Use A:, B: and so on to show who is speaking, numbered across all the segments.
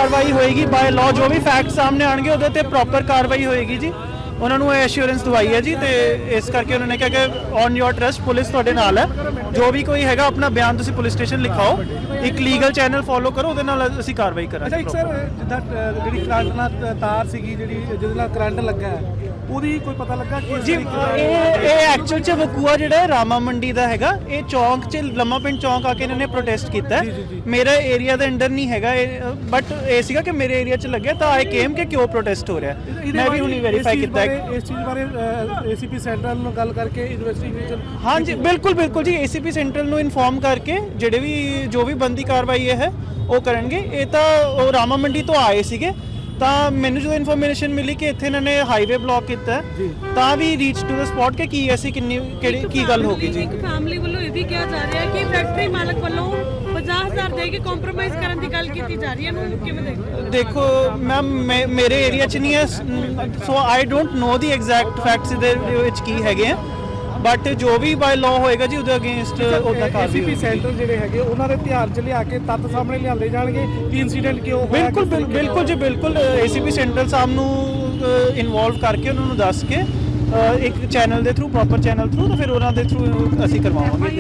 A: कार्रवाई होएगी by law. जो भी फैक्ट सामने आएंगे ਉਹਦੇ ਤੇ ਪ੍ਰੋਪਰ ਕਾਰਵਾਈ ਹੋਏਗੀ ਜੀ। ਉਹਨਾਂ ਨੂੰ ਇਹ ਐਸ਼ੋਰੈਂਸ ਦਵਾਈ ਹੈ ਜੀ ਤੇ ਇਸ ਕਰਕੇ ਉਹਨਾਂ ਨੇ ਕਿਹਾ ਕਿ ਔਨ ਯੋਰ ਟਰਸਟ ਪੁਲਿਸ ਤੁਹਾਡੇ ਨਾਲ ਹੈ। ਜੋ ਵੀ ਕੋਈ ਹੈਗਾ ਆਪਣਾ ਬਿਆਨ ਤੁਸੀਂ ਪੁਲਿਸ ਸਟੇਸ਼ਨ ਲਿਖਾਓ, ਇੱਕ ਲੀਗਲ ਚੈਨਲ ਫੋਲੋ ਕਰੋ, ਉਹਦੇ ਨਾਲ ਅਸੀਂ ਕਾਰਵਾਈ ਕਰਾਂਗੇ।
B: ਅੱਛਾ, ਇੱਕ ਸਰ ਜਿੱਦਾਂ ਜਿਹੜੀ ਕਰੰਟ ਨਾਲ ਤਾਰ ਸੀਗੀ ਜਿਹੜੀ ਜਿਹਦੇ ਨਾਲ ਕਰੰਟ ਲੱਗਾ ਹੈ, ਉਹਦੀ ਕੋਈ ਪਤਾ ਲੱਗਾ ਕਿ
A: ਜੀ ਇਹ ਐਕਚੁਅਲ ਚ ਵਕੂਆ ਜਿਹੜਾ ਹੈ ਰਾਮਾ ਮੰਡੀ ਦਾ ਹੈਗਾ। ਇਹ ਚੌਂਕ ਚ ਲੰਮਾ ਪਿੰਡ ਚੌਂਕ ਆ ਕੇ ਇਹਨਾਂ ਨੇ ਪ੍ਰੋਟੈਸਟ ਕੀਤਾ। ਮੇਰਾ ਏਰੀਆ ਦੇ ਅੰਡਰ ਨਹੀਂ ਹੈਗਾ ਬਟ ਇਹ ਸੀਗਾ ਕਿ ਮੇਰੇ ਏਰੀਆ ਚ ਲੱਗਿਆ ਤਾਂ ਆਈ ਕੇਮ ਕਿ ਕਿਉਂ ਪ੍ਰੋਟੈਸਟ ਹੋ ਰਿਹਾ। ਮੈਂ ਵੀ ਹੁਣੀ ਵੈਰੀਫਾਈ ਕੀਤਾ
B: ਇਸ ਚੀਜ਼ ਬਾਰੇ ਏਸੀਪੀ ਸੈਂਟਰਲ ਨਾਲ ਗੱਲ ਕਰਕੇ ਇਨਵੈਸਟੀਗੇਸ਼ਨ।
A: ਹਾਂਜੀ ਬਿਲकुल ਜੀ, ਏਸੀਪੀ ਸੈਂਟਰਲ ਨੂੰ ਇਨਫੋਰਮ ਕਰਕੇ ਜਿਹੜੇ ਵੀ ਜੋ ਵੀ ਬੰਦੀ ਕਾਰਵਾਈ ਇਹ ਹੈ ਉਹ ਕਰਨਗੇ। ਇਹ ਤਾਂ ਉਹ ਰਾਮਾ ਮੰਡੀ ਤੋਂ ਆਏ ਸੀਗੇ ਤਾਂ ਮੈਨੂੰ ਜਦੋਂ ਇਨਫੋਰਮੇਸ਼ਨ ਮਿਲੀ ਕਿ ਇੱਥੇ ਇਹਨਾਂ ਨੇ ਹਾਈਵੇ ਬਲੌਕ ਕੀਤਾ ਤਾਂ ਵੀ ਰੀਚ ਟੂ ਦ ਸਪੌਟ ਕਿ ਕੀ ਐਸੀ ਕਿੰਨੀ ਕਿਹੜੀ ਕੀ ਗੱਲ ਹੋ ਗਈ ਜੀ।
C: ਇੱਕ ਫੈਮਿਲੀ ਵੱਲੋਂ ਇਹ ਵੀ ਕਿਹਾ ਜਾ ਰਿਹਾ ਹੈ ਕਿ ਫੈਕਟਰੀ ਮਾਲਕ ਵੱਲੋਂ 50,000 ਦੇ ਕੇ ਕੰਪਰੋਮਾਈਜ਼ ਕਰਨ ਦੀ ਗੱਲ ਕੀਤੀ ਜਾ ਰਹੀ ਹੈ। ਇਹਨੂੰ ਕਿਵੇਂ ਦੇਖਦੇ ਹੋ?
A: ਦੇਖੋ ਮੈਮ ਮੇਰੇ ਏਰੀਆ 'ਚ ਨਹੀਂ ਹੈ so I don't know the exact facts ਦੇ ਵਿੱਚ ਕੀ ਹੈਗੇ ਆ ਬਟ ਜੋ ਵੀ ਬਾਈ ਲਾਅ ਹੋਏਗਾ ਜੀ ਉਹਦੇ ਅਗੇਂਸਟ ਉਹਦਾ ਕਾਰਵਾਈ।
B: ਏਸੀਪੀ ਸੈਂਟਰ ਜਿਹੜੇ ਹੈਗੇ ਉਹਨਾਂ ਦੇ ਧਿਆਨ 'ਚ ਲਿਆ ਕੇ ਤੱਥ ਸਾਹਮਣੇ ਲਿਆਂਦੇ ਜਾਣਗੇ ਕਿ ਇਨਸੀਡੈਂਟ ਕਿਉਂ ਹੋਇਆ।
A: ਬਿਲਕੁਲ ਜੀ ਬਿਲਕੁਲ। ਏਸੀਪੀ ਸੈਂਟਰਲ ਸਾਹਿਬ ਨੂੰ ਇਨਵੋਲਵ ਕਰਕੇ ਉਹਨਾਂ ਨੂੰ ਦੱਸ ਕੇ ਇੱਕ ਚੈਨਲ ਦੇ ਥਰੂ ਪ੍ਰੋਪਰ ਚੈਨਲ ਥਰੂ ਤਾਂ ਫਿਰ ਉਹਨਾਂ ਦੇ ਥਰੂ ਅਸੀਂ ਕਰਵਾਵਾਂਗੇ।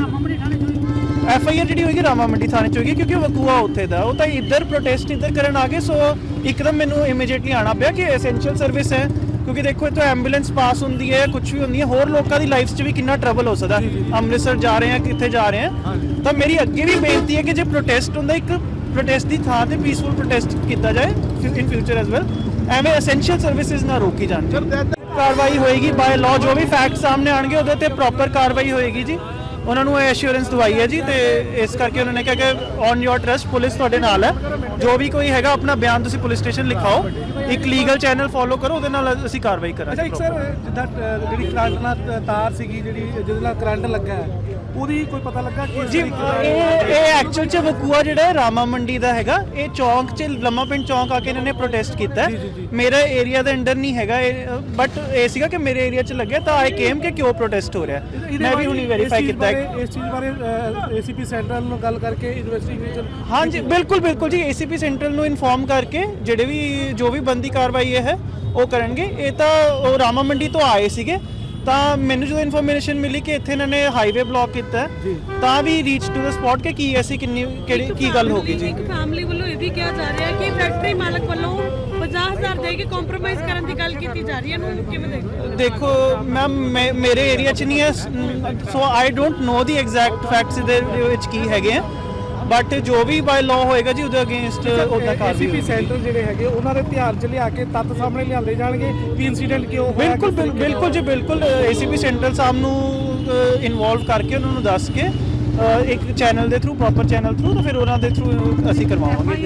A: ਐਫਆਈਆਰ ਜਿਹੜੀ ਹੋਏਗੀ ਰਾਮਾ ਮੰਡੀ ਥਾਣੇ 'ਚ ਹੋਏਗੀ ਕਿਉਂਕਿ ਵਕੂਆ ਉੱਥੇ ਦਾ ਉਹ ਤਾਂ ਇੱਧਰ ਪ੍ਰੋਟੈਸਟ ਇੱਧਰ ਕਰਨ ਆ ਗਏ ਸੋ ਇੱਕਦਮ ਮੈਨੂੰ ਇਮੀਡੀਏਟਲੀ ਆਣਾ ਪਿਆ ਕਿ ਐਸੈਂਸ਼ੀਅਲ ਸਰਵਿਸ ਹੈ ਕਿਉਂਕਿ ਦੇਖੋ ਇੱਥੋਂ ਐਂਬੂਲੈਂਸ ਪਾਸ ਹੁੰਦੀ ਹੈ ਕੁਝ ਵੀ ਹੁੰਦੀ ਹੈ ਹੋਰ ਲੋਕਾਂ ਦੀ ਲਾਈਫ 'ਚ ਵੀ ਕਿੰਨਾ ਟਰਬਲ ਹੋ ਸਕਦਾ। ਅੰਮ੍ਰਿਤਸਰ ਜਾ ਰਹੇ ਆ ਕਿੱਥੇ ਜਾ ਰਹੇ ਆ ਤਾਂ ਮੇਰੀ ਅੱਗੇ ਵੀ ਬੇਨਤੀ ਹੈ ਕਿ ਜੇ ਪ੍ਰੋਟੈਸਟ ਹੁੰਦਾ ਇੱਕ ਪ੍ਰੋਟੈਸਟ ਦੀ ਥਾਂ ਤੇ ਪੀਸਫੁਲ ਪ੍ਰੋਟੈਸਟ ਕੀਤਾ ਜਾਏ ਇਨ ਫਿਊਚਰ ਐਜ਼ ਵੈਲ। ਐਵੇਂ ਐਸੈਂਸ਼ੀਅਲ ਸਰਵਿਸਿਜ਼ ਨਾ ਰੋਕੀ ਜਾਣ। ਕਾਰਵਾਈ ਹੋਏਗੀ ਬਾय ਲॉ। ਜੋ ਵੀ ਫੈਕਟ ਸਾਹਮਣੇ ਆਣਗੇ ਉਹਦੇ ਤੇ ਪ੍ਰੋਪਰ ਕਾਰਵਾਈ ਹੋਏਗੀ ਜੀ। ਉਹਨਾਂ ਨੂੰ ਇਹ ਐਸ਼ੋਰੈਂਸ ਦਵਾਈ ਹੈ ਜੀ ਤੇ ਇਸ ਕਰਕੇ ਉਹਨਾਂ ਨੇ ਕਿਹਾ ਕਿ ਔਨ ਯੋਰ ਟਰਸਟ ਪੁਲਿਸ ਤੁਹਾਡੇ ਨਾਲ ਹੈ। ਜੋ ਵੀ ਕੋਈ ਹੈਗਾ ਆਪਣਾ ਬਿਆਨ ਤੁਸੀਂ ਪੁਲਿਸ ਸਟੇਸ਼ਨ ਲਿਖਾਓ, ਇੱਕ ਲੀਗਲ ਚੈਨਲ ਫੋਲੋ ਕਰੋ, ਉਹਦੇ ਨਾਲ ਅਸੀਂ ਕਾਰਵਾਈ ਕਰਾਂਗੇ।
B: ਅੱਛਾ, ਇੱਕ ਸਰ ਜਿੱਦਾਂ ਜਿਹੜੀ ਕਰੰਟ ਨਾਲ ਤਾਰ ਸੀਗੀ ਜਿਹੜੀ ਜਿਹਦੇ ਨਾਲ ਕਰੰਟ ਲੱਗਾ ਹੈ, ਉਹਦੀ ਕੋਈ ਪਤਾ ਲੱਗਾ ਕਿ
A: ਜੀ ਇਹ ਐਕਚੁਅਲ ਚ ਵਕੂਆ ਜਿਹੜਾ ਹੈ ਰਾਮਾ ਮੰਡੀ ਦਾ ਹੈਗਾ। ਇਹ ਚੌਂਕ ਚ ਲੰਮਾ ਪਿੰਡ ਚੌਂਕ ਆ ਕੇ ਇਹਨਾਂ ਨੇ ਪ੍ਰੋਟੈਸਟ ਕੀਤਾ। ਮੇਰਾ ਏਰੀਆ ਦੇ ਅੰਡਰ ਨਹੀਂ ਹੈਗਾ ਬਟ ਇਹ ਸੀਗਾ ਕਿ ਮੇਰੇ ਏਰੀਆ ਚ ਲੱਗਿਆ ਤਾਂ ਆਈ ਕੇਮ ਕਿ ਕਿਉਂ ਪ੍ਰੋਟੈਸਟ ਹੋ ਰਿਹਾ। ਮੈਂ ਵੀ ਹੁਣੀ ਵੈਰੀਫਾਈ ਕੀਤਾ।
B: ਇਸ ਚੀਜ਼ ਬਾਰੇ ਏਸੀਪੀ ਸੈਂਟਰਲ ਨਾਲ ਗੱਲ ਕਰਕੇ ਇਨਵੈਸਟੀਗੇਸ਼ਨ।
A: ਹਾਂਜੀ ਬਿਲकुल ਜੀ, ਏਸੀਪੀ ਸੈਂਟਰਲ ਨੂੰ ਇਨਫੋਰਮ ਕਰਕੇ ਜਿਹੜੇ ਵੀ ਜੋ ਵੀ ਬੰਦੀ ਕਾਰਵਾਈ ਇਹ ਹੈ ਉਹ ਕਰਨਗੇ। ਇਹ ਤਾਂ ਉਹ ਰਾਮਾ ਮੰਡੀ ਤੋਂ ਆਏ ਸੀਗੇ ਤਾਂ ਮੈਨੂੰ ਜਦੋਂ ਇਨਫੋਰਮੇਸ਼ਨ ਮਿਲੀ ਕਿ ਇੱਥੇ ਇਹਨਾਂ ਨੇ ਹਾਈਵੇ ਬਲੌਕ ਕੀਤਾ ਤਾਂ ਵੀ ਰੀਚ ਟੂ ਦ ਸਪੌਟ ਕਿ ਕੀ ਐਸੀ ਕਿੰਨੀ ਕਿਹੜੀ ਕੀ ਗੱਲ ਹੋ ਗਈ ਜੀ।
C: ਇੱਕ ਫੈਮਿਲੀ ਵੱਲੋਂ ਇਹ ਵੀ ਕਿਹਾ ਜਾ ਰਿਹਾ ਹੈ ਕਿ ਫੈਕਟਰੀ ਮਾਲਕ ਵੱਲੋਂ 50,000 ਦੇ ਕੇ ਕੰਪਰੋਮਾਈਜ਼ ਕਰਨ ਦੀ ਗੱਲ ਕੀਤੀ ਜਾ ਰਹੀ ਹੈ। ਇਹਨੂੰ ਕਿਵੇਂ ਦੇਖਦੇ ਹੋ?
A: ਦੇਖੋ ਮੈਮ ਮੇਰੇ ਏਰੀਆ 'ਚ ਨਹੀਂ ਹੈ so I don't know the exact facts ਦੇ ਵਿੱਚ ਕੀ ਹੈਗੇ ਆ ਬਟ ਜੋ ਵੀ ਬਾਈ ਲਾਅ ਹੋਏਗਾ ਜੀ ਉਹਦੇ ਅਗੇਂਸਟ ਉਹਦਾ ਕਾਰਵਾਈ।
B: ਏਸੀਪੀ ਸੈਂਟਰ ਜਿਹੜੇ ਹੈਗੇ ਉਹਨਾਂ ਦੇ ਧਿਆਨ 'ਚ ਲਿਆ ਕੇ ਤੱਥ ਸਾਹਮਣੇ ਲਿਆਂਦੇ ਜਾਣਗੇ ਕਿ ਇਨਸੀਡੈਂਟ ਕਿਉਂ ਹੋਇਆ।
A: ਬਿਲਕੁਲ ਜੀ ਬਿਲਕੁਲ। ਏਸੀਪੀ ਸੈਂਟਰਲ ਸਾਹਿਬ ਨੂੰ ਇਨਵੋਲਵ ਕਰਕੇ ਉਹਨਾਂ ਨੂੰ ਦੱਸ ਕੇ ਇੱਕ ਚੈਨਲ ਦੇ ਥਰੂ ਪ੍ਰੋਪਰ ਚੈਨਲ ਥਰੂ ਤਾਂ ਫਿਰ ਉਹਨਾਂ ਦੇ ਥਰੂ ਅਸੀਂ ਕਰਵਾਵਾਂਗੇ।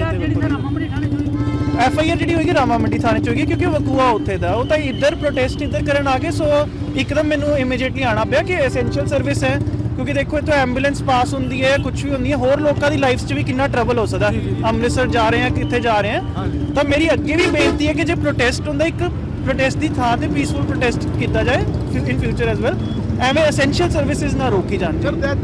A: ਐਫਆਈਆਰ ਜਿਹੜੀ ਹੋਏਗੀ ਰਾਮਾ ਮੰਡੀ ਥਾਣੇ 'ਚ ਹੋਏਗੀ ਕਿਉਂਕਿ ਵਕੂਆ ਉੱਥੇ ਦਾ ਉਹ ਤਾਂ ਇੱਧਰ ਪ੍ਰੋਟੈਸਟ ਇੱਧਰ ਕਰਨ ਆ ਗਏ ਸੋ ਇੱਕਦਮ ਮੈਨੂੰ ਇਮੀਡੀਏਟਲੀ ਆਣਾ ਪਿਆ ਕਿ ਐਸੈਂਸ਼ੀਅਲ ਸਰਵਿਸ ਹੈ ਕਿਉਂਕਿ ਦੇਖੋ ਇੱਥੋਂ ਐਂਬੂਲੈਂਸ ਪਾਸ ਹੁੰਦੀ ਹੈ ਕੁਝ ਵੀ ਹੁੰਦੀ ਹੈ ਹੋਰ ਲੋਕਾਂ ਦੀ ਲਾਈਫ 'ਚ ਵੀ ਕਿੰਨਾ ਟਰਬਲ ਹੋ ਸਕਦਾ। ਅੰਮ੍ਰਿਤਸਰ ਜਾ ਰਹੇ ਆ ਕਿੱਥੇ ਜਾ ਰਹੇ ਆ ਤਾਂ ਮੇਰੀ ਅੱਗੇ ਵੀ ਬੇਨਤੀ ਹੈ ਕਿ ਜੇ ਪ੍ਰੋਟੈਸਟ ਹੁੰਦਾ ਇੱਕ ਪ੍ਰੋਟੈਸਟ ਦੀ ਥਾਂ ਤੇ ਪੀਸਫੁਲ ਪ੍ਰੋਟੈਸਟ ਕੀਤਾ ਜਾਏ ਇਨ ਫਿਊਚਰ ਐਜ਼ ਵੈਲ। ਐਵੇਂ ਐਸੈਂਸ਼ੀਅਲ ਸਰਵਿਸਿਜ਼ ਨਾ ਰੋਕੀ ਜਾਣ।